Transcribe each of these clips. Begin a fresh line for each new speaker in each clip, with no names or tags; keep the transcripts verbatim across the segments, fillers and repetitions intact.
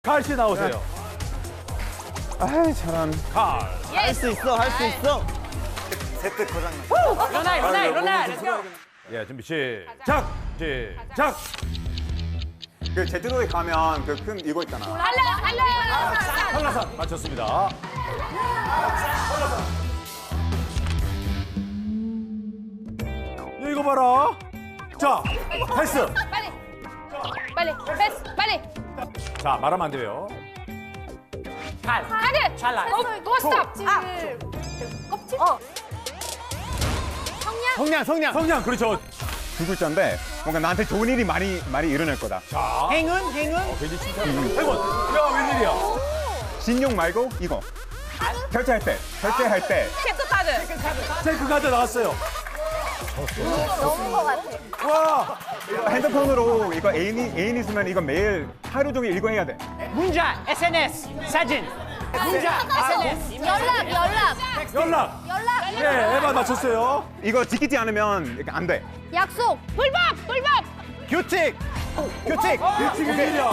칼 씨 나오세요.
아이 잘한.
칼.
할 수 있어, 할 수 있어.
세트 고장.
일어나 일어나 일어나 렛츠고.
예, 준비 시작. 시작.
그 제주도에 가면 그 큰 이거 있잖아.
할래 할래
한라산 맞췄습니다. 이거 봐라. 자, 패스.
빨리 빨리 패스 빨리
자, 말하면 안 돼요.
칼 카드 찰나 고 스톱 아 껍질 어 성냥
성냥, 성냥.
성냥 그렇죠.
두 글자인데 뭔가 나한테 좋은 일이 많이 많이 일어날 거다.
자,
행운, 행운.
어, 괜히 칭찬. 해본. 야, 웬일이야?
신용 말고 이거. 결제할 때, 결제할 때.
체크 카드
체크 카드 나왔어요.
너무 거 같아
와,
핸드폰으로 이거 애인이 애인 있으면 이거 매일 하루 종일 이거 해야 돼.
문자, 에스엔에스, 사진. 문자, 에스엔에스.
연락 연락
연락.
연락
예, 에바 맞췄어요.
이거 지키지 않으면 이게 안 돼.
약속 불법 불법
규칙, 규칙.
일찍 웬일이야.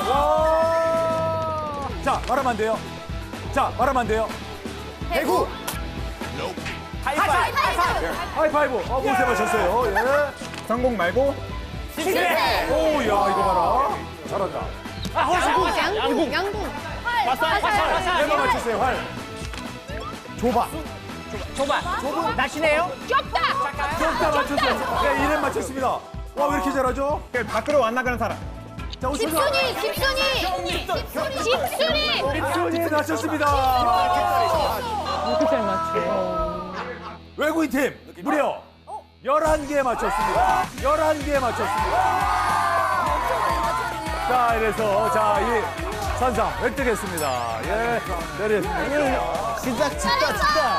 와. 자, 말하면 안 돼요. 자, 말하면 안 돼요.
대구.
하이파이브
하이파이브. 어, 못해 맞췄어요. 예.
성공 말고
실패
오, 야, 이거 봐라. 잘한다.
아, 호수.
양궁 양궁 활
화살, 화살, 화살.
에바 맞췄어요. 활. 좁아.
좁아. 좁은 날씨네요.
좁다
좁다 맞췄어요. 네, 이름 맞췄습니다. 와, 왜 이렇게 잘하죠?
그 밖으로 안 나가는 사람.
자, 오십니다.
집순이 집순이 집순이
집순이 맞췄습니다.
이렇게 잘 맞춰
외국인 팀 무려 열한 개 맞췄습니다. 열한 개 맞췄습니다. 자, 이래서 자, 이 선상 획득했습니다. 예, 내렸습니다.
진짜, 진짜, 진짜.